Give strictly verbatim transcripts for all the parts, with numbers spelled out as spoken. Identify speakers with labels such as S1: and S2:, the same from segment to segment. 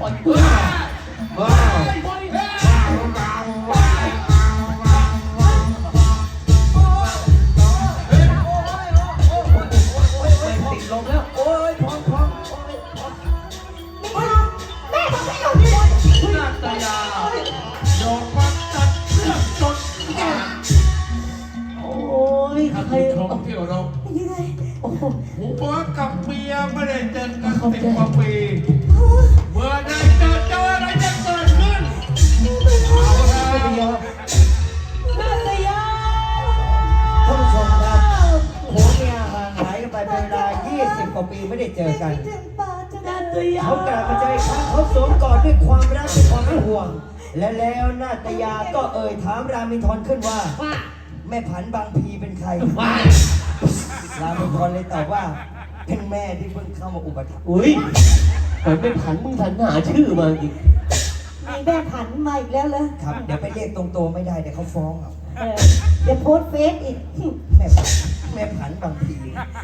S1: ล่อยกูว้าวติดลมแล้วโอ้ยพร้อมพร้อม
S2: แม่บอกไม่หยุดเลย
S3: นาตยาโดนวัดตัดเลือดจนขาด
S1: โอ้ย
S3: ท่านผู้ชมที่เคารพ
S2: ยังไง
S3: ผัวกับเมียไม่ได้เจอกันสิบกว่าปีเมื่อใดเจอเจออะไรจะเกิดขึ้นเอาแล้ว
S2: นาตยา
S4: ท่านผู้ชมครับผัวเมียห่างหายกันไปเป็นเวลายี่สิบกว่าปีไม่ได้เจอกันเขากลับมาเจออีกครั้งเขาสวมกอดด้วยความรักด้วยความเป็นห่วงและแล้วนาตยาก็เอ่ยถามรามินทรขึ้นว่าแม่ผันบางพีเป็นใครรามินทรเลยตอบว่าเป็นแม่ที่เพิ่งเข้ามาอุปถัมภ์
S1: อุ้ยเหมือนเป็นผันมึงผันหาชื่อมาอีก
S2: มีแม่ผันมาอีกแล้วเหรอ
S4: ครับเดี๋ยวไปเรียกตรงตัวไม่ได้เดี๋ยวเขาฟ้องเอา
S2: เดี๋ยวโพสเฟซอีก
S4: แม่ผันแม่ผันบางพี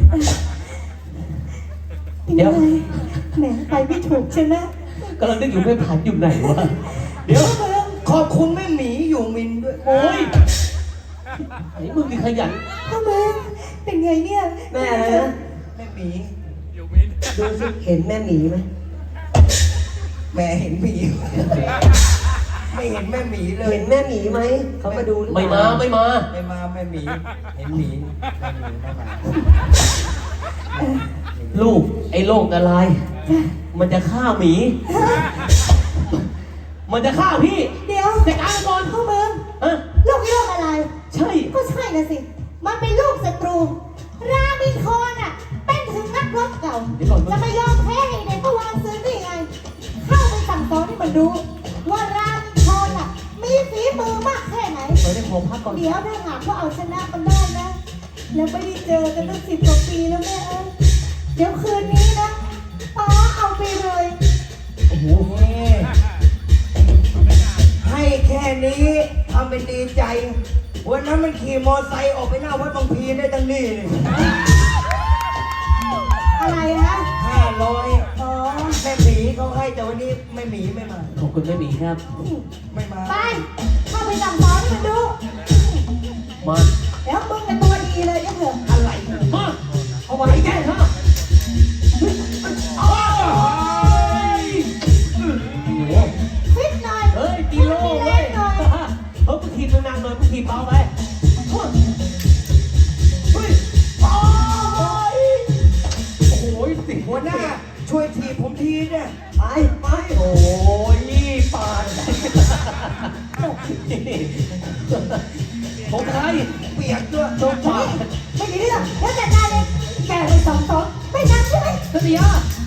S1: เดี๋ยว
S2: แหมไปไม่ถูกใช่ไหม
S1: กำลังนึกอยู่แม่ผันอยู่ไหนวะเดี๋ยว
S4: ขอบคุณแม่หมีอยู่มินด้วย
S1: โอ้ยไอ้มึงมีขยัน
S2: พ่อแม่เป็นไงเนี่ย
S4: แม่อะไรนะแม่หมีดูสิเห็นแม่หมีไหมแม่เห็นหมีไม่เห็นแม่หมีเลยเห็นแม่หมีไหมเขามาดู
S1: ไม่มาไม่มา
S4: ไม่มาแม่หมีเห็นหมีแม่หมีไม่มา
S1: ลูกไอ้โรคอะไรมันจะฆ่าหมี มันจะฆ่าพี่
S2: เดี๋ยว
S1: จัดการก่อน
S2: พ่อเมืองลูกโรคอะไร
S1: ใช่
S2: ก็ใช่นะสิมันเป็นลูกศัตรูรามินทรอ่ะเป็นถึงนักรบเก่าจะไม่ยอมแพ้ให้เด็กก็วางซื้อได้ไงเข้าไปสั่งสอนให้มันรู้ว่ารามินทรอ่ะมีฝีมือมากแค่ไหน
S1: เดี๋ยวขอพักก่อน
S2: เดี๋ยวถ้าหากว่าเอาชนะมันได้นะแล้วไม่ได้เจอกันตั้งสิบกว่าปีแล้วแม่เอ้ยเดี๋ยวคืนนี้นะป้าเอาไปเลย
S4: โอ้โหให้แค่นี้ทำเป็นดีใจวันนั้นมันขี่มอไซค์ออกไปหน้าวัดบางพีได้ตั้งนี่เลย
S2: อะไรนะ
S4: ห้าร้อยอ๋อแม่หมีเขาให้แต่วันนี้แม่หมีไม่มา
S1: ขอบคุณแม่หมีครับ
S4: ไม่มา
S2: ไปเข้าไปสั่งสอนให้มันดู
S1: มา
S2: แล้วมึงเป็นตัวดีเลยยังเหรอ
S4: อะไร
S1: มาเอาไว้แก้ฮะ
S2: ฟิตหน่อย
S1: เฮ้ยตีโล่เลยเฮ้ยมึงทีมนานๆหน่อยมึงทีมเบาไปเฮ้ยโอ้ยโอ้ยสิ
S4: หัวหน้าช่วยทีผมทีเนี่ย
S1: ไปไปโอ้ยปานผมใคร
S4: เปียกด้วย
S1: ตัวปา
S2: ไม่ดีหรอกแล้วจัดการเลยแกไปสองสองไม่นำใช่ไหม
S1: เสีย